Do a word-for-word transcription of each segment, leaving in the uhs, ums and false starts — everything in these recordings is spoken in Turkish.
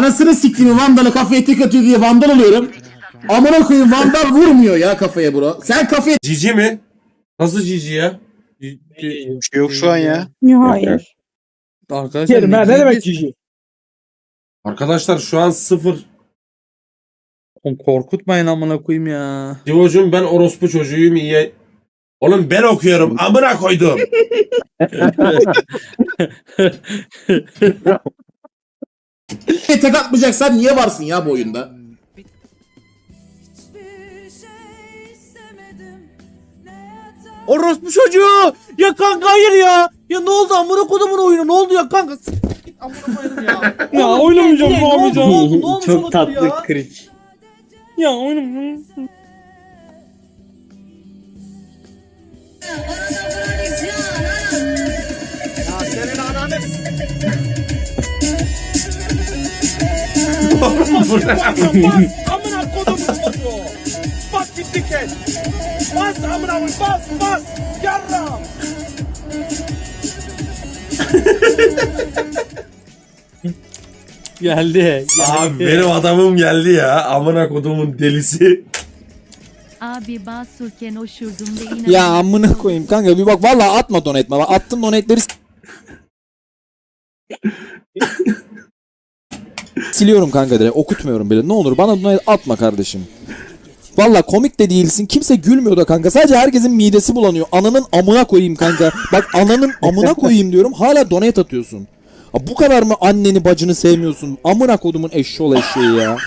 Anasını siktiğimi Vandal'a kafaya tek atıyor diye Vandal alıyorum. Amına koyayım Vandal vurmuyor ya kafaya bro. Sen kafaya... Cici mi? Nasıl cici ya? Bir şey yok şu an ya. Hayır. Arkadaşlar Kerim ha ne demek cici? Arkadaşlar şu an sıfır. Oğlum korkutmayın amına koyayım ya. Divocuğum ben orospu çocuğuyum iyi. Oğlum ben okuyorum amına koydum. tek atmayacaksan niye varsın ya bu oyunda? Orospu çocuğu! Ya kanka hayır ya! Ya ne oldu amına kodumun oyunu ne oldu ya kanka? S- git amına koyayım ya. Ya oynamayacağım Ne oldu, oynamayacağım. ne oldu, ne olmuş Çok olabilir tatlı ya? kriç. Ya oynamayacağım. Amına kodumun çocuğu! Bas gitti kes! Bas amına koyayım bas bas! Yarram! Geldi. Abi benim adamım geldi ya. Amına kodumun delisi. Abi basurken oşurdum da inanamadım. Ya amına koyayım kanka bir bak vallahi atma donate bana. Attım donate'leri s- siliyorum kanka direkt okutmuyorum bile. Ne olur bana donate atma kardeşim. Valla komik de değilsin. Kimse gülmüyor da kanka. Sadece herkesin midesi bulanıyor. Ananın amına koyayım kanka. Bak ananın amına koyayım diyorum. Hala donate atıyorsun. Ha, bu kadar mı anneni bacını sevmiyorsun? Amına kodumun eşşoğlu eşeği ya.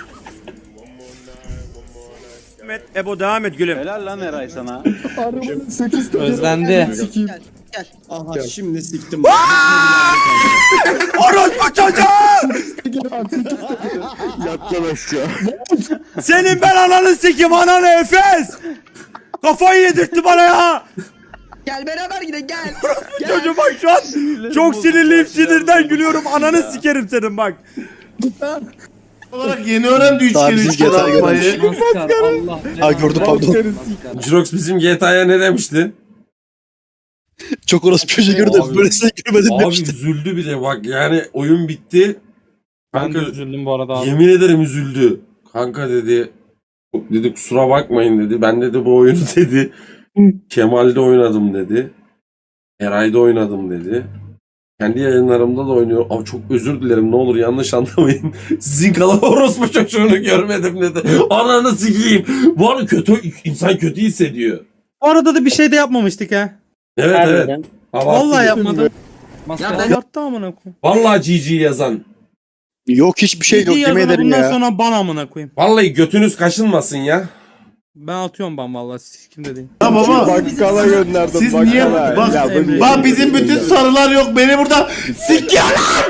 Ebo devam et gülüm. Helal lan Eray sana. Özlendi. Aha şimdi siktim. Orospu çocuğu! Yattan aşağı. Senin ben ananı sikim ananı Efes! Kafayı yedirtti bana ya! Gel beraber gidelim gel. Çocuğum bak şu an çok sinirliyim sinirden gülüyorum ananı sikerim senin bak. Olarak yeni öğrendi üç Daha kere bizim üç kere G T A atmayı. Allah. Ha gördüm pardon. Jirox bizim G T A'ya ne demişti? Çok orası çocuğu gördüm. Abi- Böylesine gülmedim Abi demişti. üzüldü bir de bak yani oyun bitti. Ben de Kanka üzüldüm bu arada abi. yemin ederim üzüldü. Kanka dedi dedi kusura bakmayın dedi. Ben dedi bu oyunu dedi. Kemal'de oynadım dedi. Eray'da oynadım dedi. Kendi yayınlarımda da oynuyor. Abi çok özür dilerim ne olur yanlış anlamayın. Sizin kalan orospu çocuğunu görmedim dedi. Ananı sikeyim. Bu arada kötü insan kötü hissediyor. O arada da bir şey de yapmamıştık ha. Evet evet. Abarttı. Vallahi yapmadım. Ya ben Abarttı amına koyayım. Vallahi G G yazan. Yok hiçbir şey yok İyi yemin yazana ederim bundan ya. sonra bana amına koyayım. Vallahi götünüz kaşınmasın ya. Ben atıyorum ben vallahi sikim de değil. Ya baba Bakkala gönderdim. siz niye bak, Ya bu- bak bizim bütün sarılar yok beni burada sikiyorlar.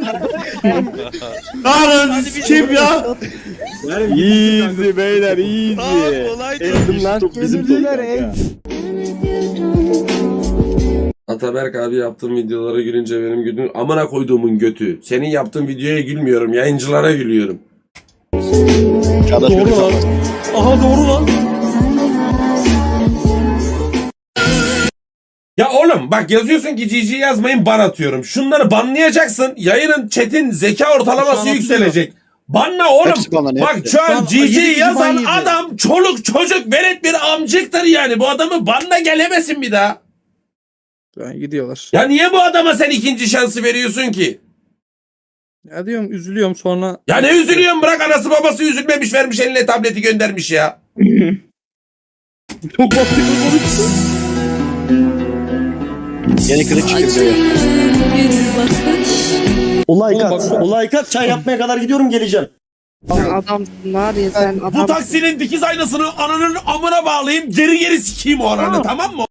Ananı sikeyim ya. Easy beyler easy. Ezdim lan. Bizim toplar. Ataberk abi yaptığım videolara gülünce benim gülüm amına koyduğumun götü. Senin yaptığın videoya gülmüyorum yayıncılara gülüyorum. Doğru lan. Aha doğru lan. Ya oğlum bak yazıyorsun ki G G yazmayın ban atıyorum. Şunları banlayacaksın. Yayının chat'in zeka ortalaması Şu an yükselecek. Banla oğlum. Hepsi banlanıyor, Bak hepsi. şu Şu an an G G yedi kişi ban yazan yedi. adam çoluk çocuk velet bir amcıktır yani. Bu adamı banla gelemesin bir daha. Ben gidiyorlar. Ya niye bu adama sen ikinci şansı veriyorsun ki? Ya diyorum üzülüyorum sonra. Ya ne üzülüyorsun bırak anası babası üzülmemiş vermiş eline tableti göndermiş ya. Çok bakıyor. Yeni kılıç çıktı. Olay kat. Olay kat. Çay yapmaya kadar gidiyorum geleceğim. Adam var ya sen Bu adam. taksinin dikiz aynasını ananın amına bağlayayım geri geri sikeyim o ananı tamam mı?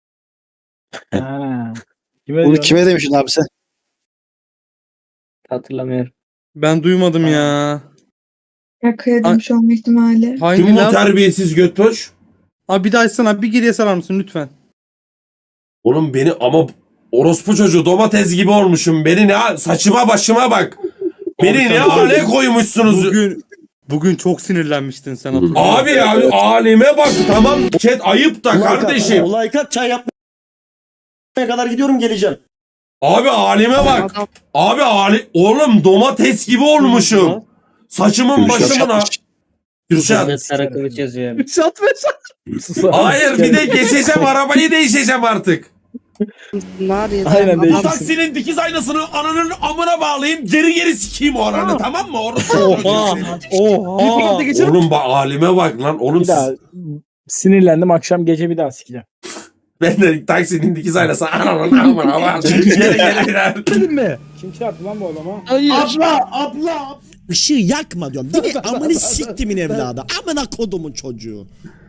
Bunu kime demişsin abi sen? Hatırlamıyorum. Ben duymadım ya. Ya kıyadımmış olma ihtimali. Hangi Kim bu lan? terbiyesiz götboş? Abi bir daha açsana bir geriye sarar mısın lütfen? Oğlum beni ama orospu çocuğu domates gibi olmuşum. Beni ne saçıma başıma bak. Beni ne hale koymuşsunuz. Bugün bugün çok sinirlenmiştin sen hatırlıyorum. Abi abi halime bak tamam. Chat ayıp da kardeşim. Olay kat. Çay yapmaya kadar gidiyorum geleceğim. Abi halime bak. Adam Abi hali... Oğlum domates gibi olmuşum. Saçımın başımın ha. Kürşat. Karakılıç yazıyor. Şat ve şat. Hayır bir de geçeceğim arabayı değişeceğim artık. var ya. Aynen, Adam- değişik. Taksinin dikiz aynasını ananın amına bağlayayım. Geri geri sikeyim o ananı, tamam mı? Orası Oha. Oha. Oğlum bak halime bak lan. Oğlum Bir daha siz... sinirlendim, akşam gece bir daha sikeceğim. Ben de taksinin dikiz aynası ananın amına bağlayayım. Geri geri gider. Kim çarptı lan bu adama? Abla, abla. Işığı yakma diyorum. Değil mi? Amını siktimin evladı. Amına kodumun çocuğu.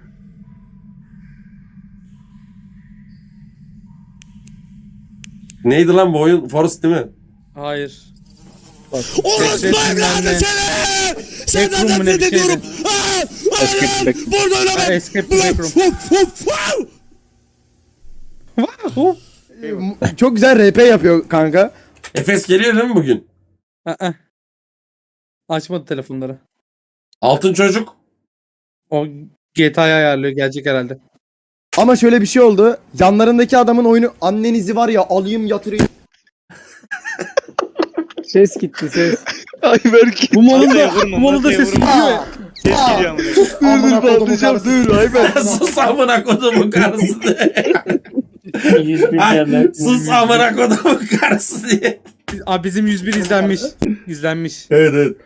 Neydi lan bu oyun? Forest değil mi? Hayır. Orospu evladı seni! Senden Backroom mu ne nefret bir şeydi? ediyorum. Aa, Escape Allah'ım! Burada öyle ben. Escape the Backroom. Hop hop hop. Çok güzel R P yapıyor kanka. Efes geliyor değil mi bugün? Aa. Açmadı telefonları. Altın çocuk. O G T A'yı ayarlıyor, gelecek herhalde. Ama şöyle bir şey oldu. Yanlarındaki adamın oyunu annenizi var ya alayım yatırayım. Ses gitti ses. Ayberk. Bu malında, bu malında ses gidiyor ya. Sus Amına kodumun karısı. dur Ayberk. Sus amına kodumun karısı diye. Ay, sus amına kodumun karısı diye. Abi bizim yüz bir izlenmiş. İzlenmiş. Evet evet.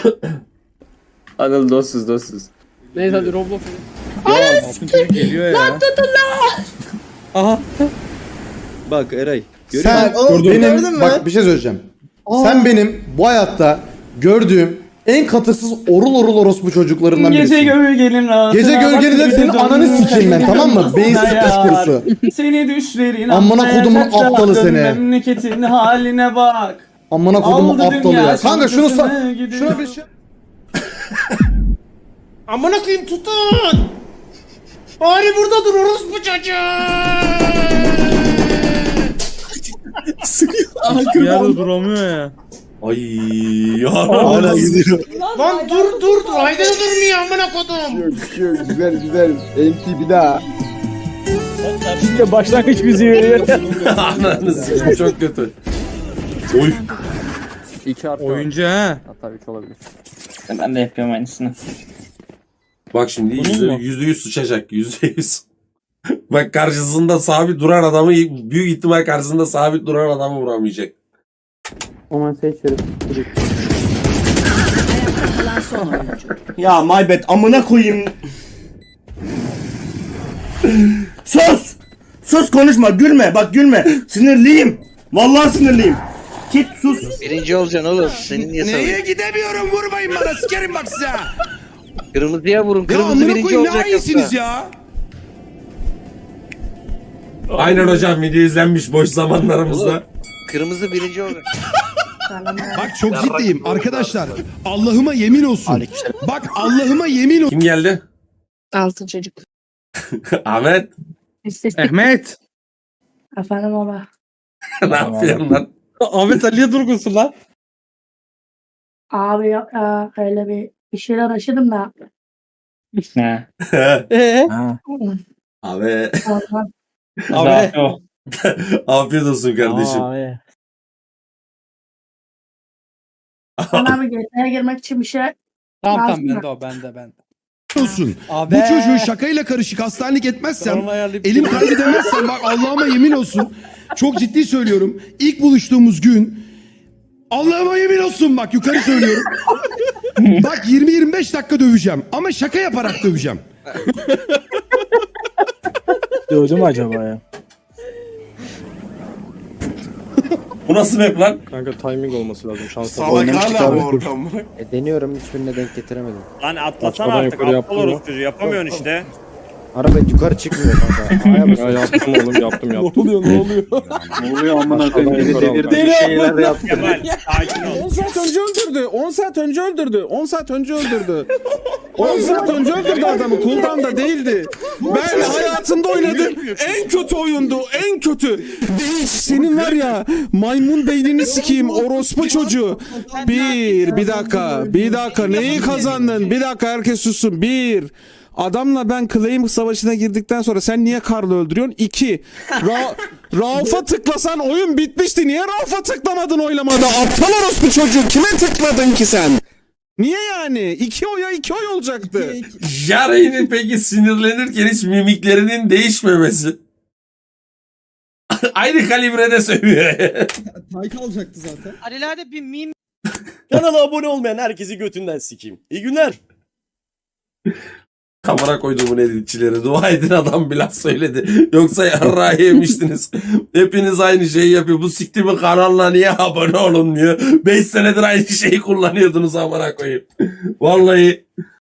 Anıl dostsuz dostsuz. Neyse hadi Roblox. Ya altın çocuk geliyor ya. Lan tutun lan. Aha. Bak Eray. Sen benim bak bir şey söyleyeceğim. Sen benim bu hayatta gördüğüm en katısız orul orul orospu çocuklarından birisin. Gece gölgenin rahatına. Gece gölgeninde senin ananı sikeyim ben, tamam mı? Beyinsiz piç kurusu. Seni düşlerin Amına kodumun aptalı seni. Memleketin haline bak. Amına kodumun Aldı aptalı dünya ya. Kanka şunu şampiyonu sa- gidiyor. şuna bir şey. Amına koyayım tutun. Bari burada dur orospu çocuğu. Bir yerde duramıyor ya. Ay Hala ya. gidiyor. Lan dur dur dur. Haydi durmuyor amına kodum. Güzel güzel. M T bir daha. Şimdi başlangıç müziği veriyor. Ananı sikeyim çok kötü. Oy. Oyuncu ha. Ben de yapıyorum aynısını. Bak şimdi Bunun yüzde, mu? yüzde yüz sıçacak. Yüzde yüz. Bak karşısında sabit duran adamı büyük ihtimal karşısında sabit duran adamı vuramayacak. Aman seçerim. Ya my bad amına koyayım. Sus! Sus konuşma gülme bak gülme. Sinirliyim. Vallahi sinirliyim. Git sus. Birinci olacaksın oğlum. Senin niye Neye gidemiyorum vurmayın bana sikerim bak size. Kırmızıya vurun. Ya Kırmızı amına birinci koyayım ne olacak hayinsiniz yoksa. ya. Aynen hocam video izlenmiş boş zamanlarımızda. Kırmızı birinci olacak. Bak çok ciddiyim arkadaşlar. Allah'ıma yemin olsun. Bak Allah'ıma yemin olsun. Kim geldi? Altın çocuk. Ahmet. Ahmet. Efendim baba. Ne yapıyorsun lan? Ahmet sen niye durgunsun lan? Abi ya, öyle bir bir şeyler aşırım da. Ne? Abi. Ondan Abi. Afiyet olsun kardeşim. Abi. Bana bir G T A'ya girmek için bir şey Tamam tamam lazım da. bende o bende bende. olsun. Abi. Bu çocuğu şakayla karışık hastanelik etmezsem, Onu ayarlayıp- elim kaydı demezsem bak Allah'ıma yemin olsun. Çok ciddi söylüyorum. İlk buluştuğumuz gün Allah'ıma yemin olsun bak yukarı söylüyorum. Bak yirmi yirmi beş dakika döveceğim ama şaka yaparak döveceğim. Dövdü mü acaba ya? Bu nasıl map lan? Kanka timing olması lazım. Şansa. Salak hala bu ortam. E, deniyorum hiçbirine denk getiremedim. Lan atlasana Açmadan artık yukarı aptal yaptın mı? orospu çocuğu yapamıyorsun işte. Araba yukarı çıkmıyor kanka. Aya basıyor. Ya yaptım oğlum yaptım yaptım. Ne oluyor ne oluyor? Ne oluyor amına koyayım? Bir şeyler yaptım. Kemal sakin ol. on saat önce öldürdü. on saat önce öldürdü. on saat önce öldürdü. on saat önce öldürdü adamı. Cooldown'da değildi. Ben hayatımda oynadığım en kötü oyundu. En kötü. Değiş senin var ya maymun beynini sikeyim orospu çocuğu. Bir, bir dakika. Bir dakika. Neyi kazandın? Bir dakika herkes sussun. Bir. Adamla ben claim savaşına girdikten sonra sen niye Karl'ı öldürüyorsun? İki. Ra Rauf'a tıklasan oyun bitmişti. Niye Rauf'a tıklamadın oylamada? Aptal orospu çocuğu. Kime tıkladın ki sen? Niye yani? İki oya iki oy olacaktı. Jarey'nin peki sinirlenirken hiç mimiklerinin değişmemesi. Aynı kalibrede sövüyor. Tayka alacaktı zaten. Alelade bir meme Kanala abone olmayan herkesi götünden sikeyim. İyi günler. Kamera koyduğumun editçileri dua edin adam bir laf söyledi. Yoksa yarrağı yemiştiniz. Hepiniz aynı şeyi yapıyor. Bu siktimin kanalına niye abone olun diyor. beş senedir aynı şeyi kullanıyordunuz amına koyayım. Vallahi